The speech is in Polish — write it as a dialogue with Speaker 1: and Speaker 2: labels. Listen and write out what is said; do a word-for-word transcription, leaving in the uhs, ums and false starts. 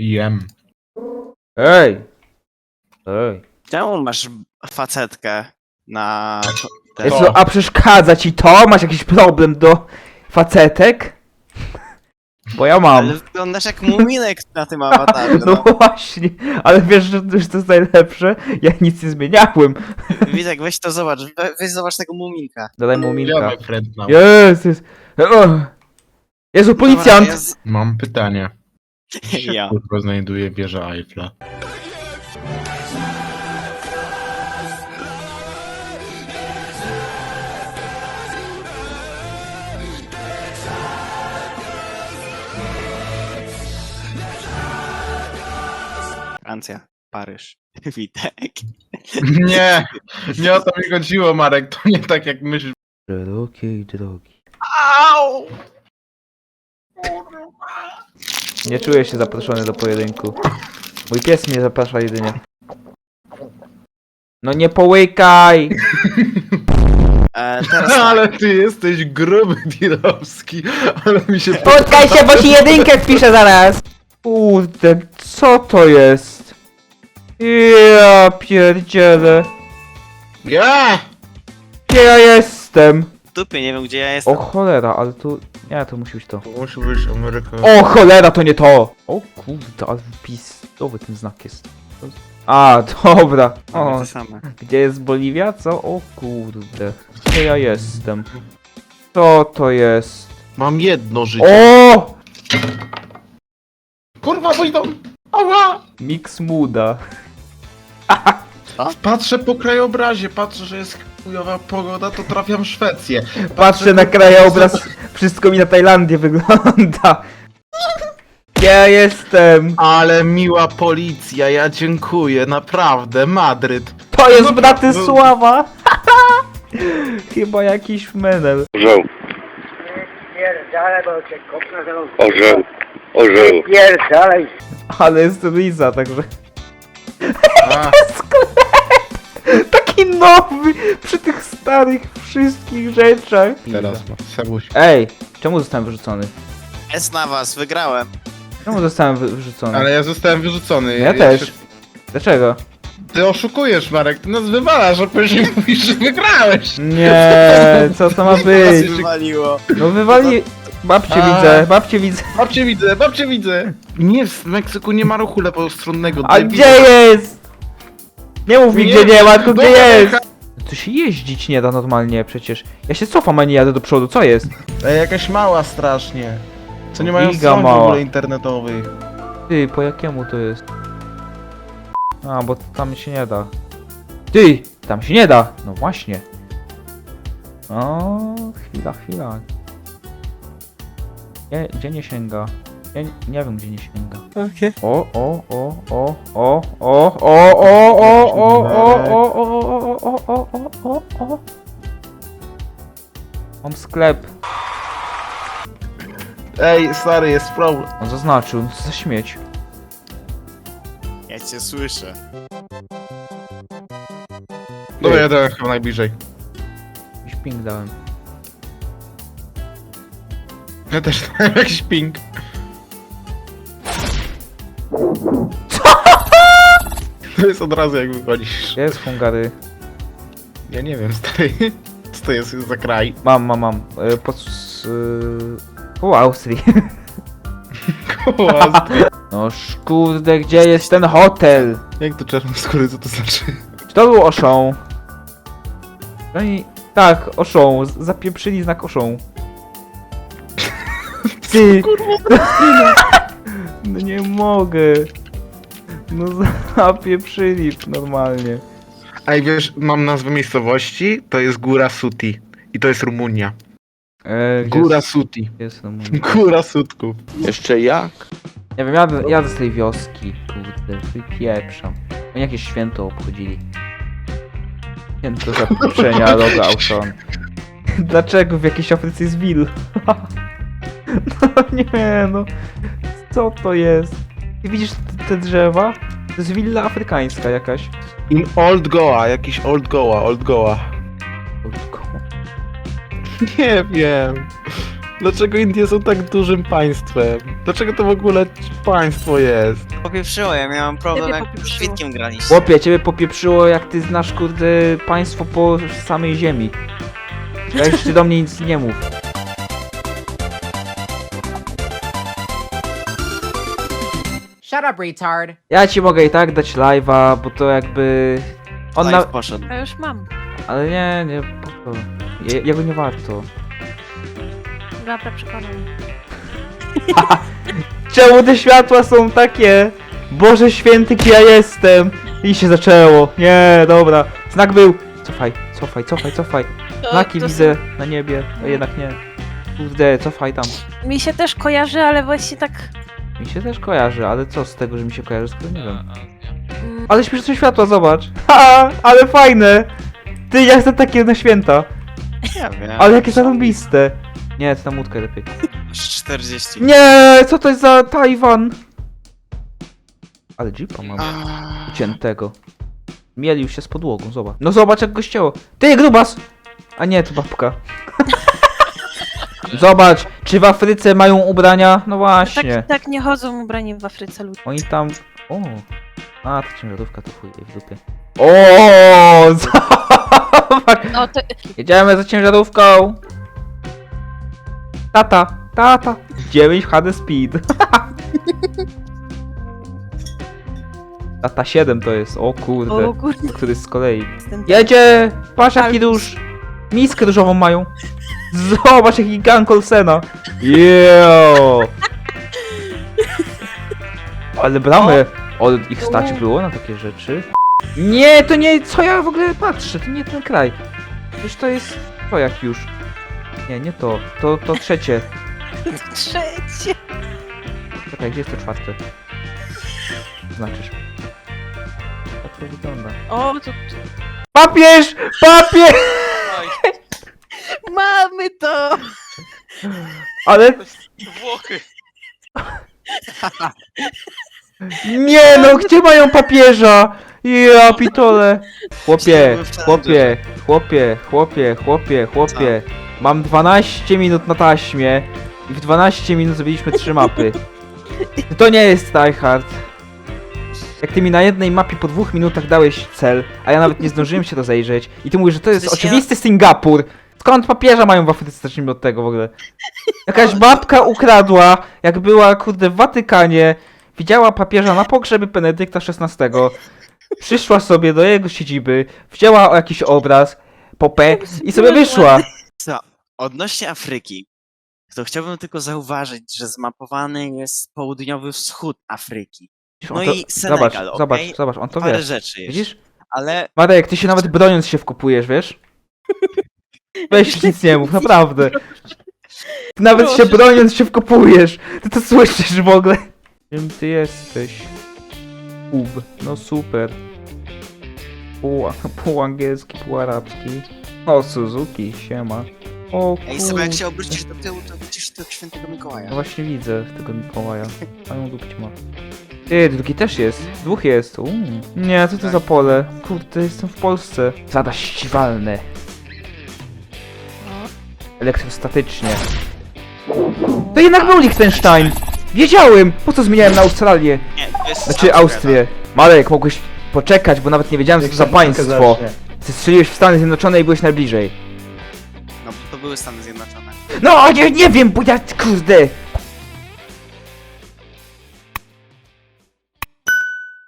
Speaker 1: Jem.
Speaker 2: Ej! Ej.
Speaker 3: Czemu masz facetkę na... te-
Speaker 2: Jezu, a przeszkadza ci to? Masz jakiś problem do facetek? Bo ja mam.
Speaker 3: Ale wyglądasz jak muminek na tym awatarze,
Speaker 2: No
Speaker 3: no.
Speaker 2: właśnie, ale wiesz, że że to jest najlepsze? Ja nic nie zmieniałem.
Speaker 3: Witek, weź to zobacz, we- weź zobacz tego muminka.
Speaker 2: Dodaj mu minka.
Speaker 1: Ziomek friend now.
Speaker 2: Jest, jest. O. Jezu, policjant!
Speaker 3: Dobra, jest-
Speaker 1: Mam pytanie.
Speaker 3: Ja.
Speaker 1: Kurwa znajduje wieża Eiffla.
Speaker 3: Francja, Paryż, Witek.
Speaker 1: Nie! Nie o to mi chodziło, Marek. To nie tak jak myślisz.
Speaker 2: Szerokiej drogi.
Speaker 3: Au!
Speaker 2: Nie czuję się zaproszony do pojedynku. Mój pies mnie zaprasza jedynie. No nie połykaj!
Speaker 3: E, teraz tak.
Speaker 1: Ale ty jesteś gruby dirowski. Ale mi się...
Speaker 2: Spotkaj się, bo ci jedynkę wpiszę zaraz! Kurde, co to jest? Ja pierdzielę.
Speaker 1: Ja!
Speaker 2: Gdzie ja jestem?
Speaker 3: W dupie, nie wiem gdzie ja jestem.
Speaker 2: O cholera, ale tu... Nie, to musi być to.
Speaker 1: Musi być Ameryka.
Speaker 2: O cholera, to nie to! O kurde, ale wypisowy ten znak jest. A, dobra.
Speaker 3: Mamy
Speaker 2: O,
Speaker 3: te same.
Speaker 2: gdzie jest Boliwia? Co? O kurde. Gdzie ja jestem? Co to jest?
Speaker 1: Mam jedno życie.
Speaker 2: O!
Speaker 1: Kurwa, pójdą! Ała!
Speaker 2: Mix Muda.
Speaker 1: Patrzę po krajobrazie, patrzę, że jest chujowa pogoda, to trafiam w Szwecję.
Speaker 2: Patrzę na krajobraz, wszystko mi na Tajlandię wygląda. Gdzie ja jestem?
Speaker 1: Ale miła policja, ja dziękuję, naprawdę, Madryt.
Speaker 2: To jest
Speaker 1: No,
Speaker 2: Bratysława! Chyba jakiś menel.
Speaker 4: Orzeł,
Speaker 5: Pierdalaj, bo cię kopnę za nos.
Speaker 4: orzeł, orzeł.
Speaker 5: Pierdalaj.
Speaker 2: Ale jest Liza, także...
Speaker 1: A,
Speaker 2: Taki nowy, przy tych starych wszystkich rzeczach.
Speaker 1: teraz ma Sebuś.
Speaker 2: Ej, czemu zostałem wyrzucony?
Speaker 3: Jest na was, wygrałem.
Speaker 2: Czemu zostałem wy wyrzucony?
Speaker 1: Ale ja zostałem wyrzucony.
Speaker 2: Ja też.
Speaker 1: się-
Speaker 2: Dlaczego?
Speaker 1: Ty oszukujesz, Marek, ty nas wywalasz, a później mówisz, że wygrałeś.
Speaker 2: Nie, co to ma
Speaker 3: Was
Speaker 2: być?
Speaker 3: wywaliło.
Speaker 2: No wywali... Babcie
Speaker 1: A.
Speaker 2: widzę, babcie widzę.
Speaker 1: Babcie widzę, babcie widzę. Nie, w Meksyku nie ma ruchu lewostronnego.
Speaker 2: A
Speaker 1: debil.
Speaker 2: gdzie jest? Nie mów mi
Speaker 1: Nie,
Speaker 2: gdzie nie ma, tylko gdzie
Speaker 1: dobra,
Speaker 2: jest.
Speaker 1: jaka-
Speaker 2: To się jeździć nie da normalnie przecież. Ja się cofam, a nie jadę do przodu, co jest?
Speaker 1: Ej, jakaś mała strasznie. Co nie mają
Speaker 2: Giga
Speaker 1: stron w
Speaker 2: mała.
Speaker 1: ogóle internetowych.
Speaker 2: Ty, po jakiemu to jest? A, bo tam się nie da. Ty, tam się nie da. No właśnie. O, chwila, chwila. Gdzie, gdzie nie sięga? Ja nie, nie wiem, gdzie nie sięga.
Speaker 3: Okej.
Speaker 2: O, o, o, o, o, o, o, o, o, o, o, o, o, o, o, o, o, o, o. Mam sklep.
Speaker 1: Ej, stary, jest problem.
Speaker 2: On zaznaczył, co za śmieć.
Speaker 3: Ja cię słyszę.
Speaker 1: Dobra, ja dałem chyba najbliżej.
Speaker 2: Jakiś ping dałem.
Speaker 1: Ja też dałem jakiś ping. To jest od razu jak wychodzisz.
Speaker 2: Gdzie jest Hungary?
Speaker 1: Ja nie wiem, stary. Co to jest za kraj?
Speaker 2: Mam, mam, mam. E, Pod... s- y, Koło Austrii.
Speaker 1: Koła.
Speaker 2: No kurde, gdzie jest ten hotel?
Speaker 1: Jak to czarnoskóry, co to znaczy?
Speaker 2: Czy to był Oszą? Oni... Tak, Oszą. z- Zapieprzyli znak Oszą. Ty! No nie mogę. No zapieprzyli normalnie.
Speaker 1: Ej, wiesz, mam nazwę miejscowości, to jest Góra Suti. I to jest Rumunia.
Speaker 2: E, gdzie
Speaker 1: Góra
Speaker 2: jest,
Speaker 1: Suti.
Speaker 2: jest Rumunia?
Speaker 1: Góra Sutków.
Speaker 4: Jeszcze jak?
Speaker 2: Nie wiem, jadę, jadę z tej wioski. Kurde, wypieprzam. Oni jakieś święto obchodzili. Święto zapieprzenia logo Auton. Dlaczego w jakiejś Afryce jest Will? No nie no. Co to jest? I widzisz te, te drzewa? To jest willa afrykańska jakaś.
Speaker 1: In Old Goa, jakiś Old Goa, Old Goa. Nie wiem. Dlaczego Indie są tak dużym państwem? Dlaczego to w ogóle państwo jest?
Speaker 3: Popieprzyło, ja miałem problem
Speaker 6: Ciebie
Speaker 3: jak z
Speaker 6: popieprzyło.
Speaker 3: Witkiem graliście.
Speaker 2: Chłopie, ciebie popieprzyło jak ty znasz kurde państwo po samej ziemi. Weź ty do mnie nic nie mów.
Speaker 7: Shut up, retard.
Speaker 2: Ja ci mogę i tak dać live'a, bo to jakby... On
Speaker 3: Live
Speaker 2: na...
Speaker 3: poszedł.
Speaker 6: A już mam.
Speaker 2: Ale nie, nie, po co? Je, jego nie warto.
Speaker 6: Dobra, przekonam.
Speaker 2: Czemu te światła są takie? Boże święty, kim ja jestem! I się zaczęło. Nie, dobra. Znak był. Cofaj, cofaj, cofaj, cofaj. Znaki
Speaker 6: to
Speaker 2: widzę na niebie, a jednak nie. Kurde, cofaj tam.
Speaker 6: są- Mi się też kojarzy, ale właśnie tak...
Speaker 2: Mi się też kojarzy, ale co z tego, że mi się kojarzy, skoro nie wiem.
Speaker 6: mm,
Speaker 2: Ale śmieszne światła, zobacz. Ha, ale fajne. Ty, ja chcę takie na święta.
Speaker 3: Ja wiem.
Speaker 2: Ale jakie zarąbiste. Nie, to na łódkę lepiej.
Speaker 3: czterdzieści.
Speaker 2: Nie, co to jest za Tajwan? Ale jeepa mam.
Speaker 3: Aaaa.
Speaker 2: Ciętego. Mielił się z podłogą, zobacz. No zobacz jak go ścięło. Ty, grubas! A nie, to babka. Zobacz, czy w Afryce mają ubrania? No właśnie.
Speaker 6: tak, tak nie chodzą ubrani w Afryce ludzie.
Speaker 2: Oni tam... O! A, ta ciężarówka to chuj jej w dupie. O! Zobacz!
Speaker 6: No to...
Speaker 2: Jedziemy za ciężarówką! Tata! Tata! dziewięć H D speed. Tata siedem to jest, o kurde.
Speaker 6: O kurde,
Speaker 2: Który z kolei.
Speaker 6: jestem...
Speaker 2: Jedzie! Patrz jaki dusz! Miskę różową mają! Zobacz jaki gang Olsena! Jeeeeo! Ale bramę! Od ich stać było na takie rzeczy? Nie, to nie, co ja w ogóle patrzę, to nie ten kraj. Przecież to jest, to jak już. Nie, nie to, to, to trzecie.
Speaker 6: Trzecie.
Speaker 2: Czekaj, gdzie jest to czwarte? Znaczysz. Tak to wygląda.
Speaker 6: O, to...
Speaker 2: Papież! Papież!
Speaker 6: Mamy to!
Speaker 2: Ale...
Speaker 3: Włochy.
Speaker 2: Nie no, gdzie mają papieża? Ja pitole. Chłopie, chłopie, chłopie, chłopie, chłopie, chłopie. Mam dwanaście minut na taśmie i w dwanaście minut zrobiliśmy trzy mapy. To nie jest tryhard. Jak ty mi na jednej mapie po dwóch minutach dałeś cel, a ja nawet nie zdążyłem się rozejrzeć i ty mówisz, że to jest
Speaker 3: Przecież ja-
Speaker 2: oczywisty Singapur. Skąd papieża mają w Afryce? Zacznijmy od tego w ogóle. Jakaś babka ukradła, jak była kurde w Watykanie, widziała papieża na pogrzebie Benedykta szesnastego, przyszła sobie do jego siedziby, wzięła jakiś obraz, popę i sobie wyszła.
Speaker 3: Co? Odnośnie Afryki, to chciałbym tylko zauważyć, że zmapowany jest południowy wschód Afryki.
Speaker 2: On
Speaker 3: No
Speaker 2: to-
Speaker 3: i Senegal,
Speaker 2: zobacz,
Speaker 3: okej?
Speaker 2: zobacz, zobacz, on to
Speaker 3: Parę
Speaker 2: wie.
Speaker 3: rzeczy jeszcze.
Speaker 2: Widzisz?
Speaker 3: Ale
Speaker 2: Marek, ty się nawet broniąc się wkupujesz, wiesz? Weź nic nie mów, naprawdę. Ty nawet się
Speaker 6: Proszę.
Speaker 2: broniąc się wkopujesz. Ty to słyszysz w ogóle? Czym ty jesteś? Ub. No super. Pół, pół angielski, pół arabski. O, Suzuki, siema. O
Speaker 3: ej, sobie jak
Speaker 2: kur-
Speaker 3: się obrócisz do tyłu, to widzisz tego świętego Mikołaja.
Speaker 2: No właśnie widzę tego Mikołaja. Mają dupcie ma. Ty, drugi też jest. Dwóch jest. Uuu. Nie, co to za pole? Kurde, jestem w Polsce. Zada ściwalne. Elektrostatycznie. To jednak był Liechtenstein! Wiedziałem! Po co zmieniałem na Australię?
Speaker 3: Nie, to jest
Speaker 2: Znaczy Austrię. Marek, mogłeś poczekać, bo nawet nie wiedziałem co to za państwo. Ty strzeliłeś w Stany Zjednoczone i byłeś najbliżej.
Speaker 3: No bo to były Stany Zjednoczone.
Speaker 2: No, nie, nie wiem, bo ja, kurde!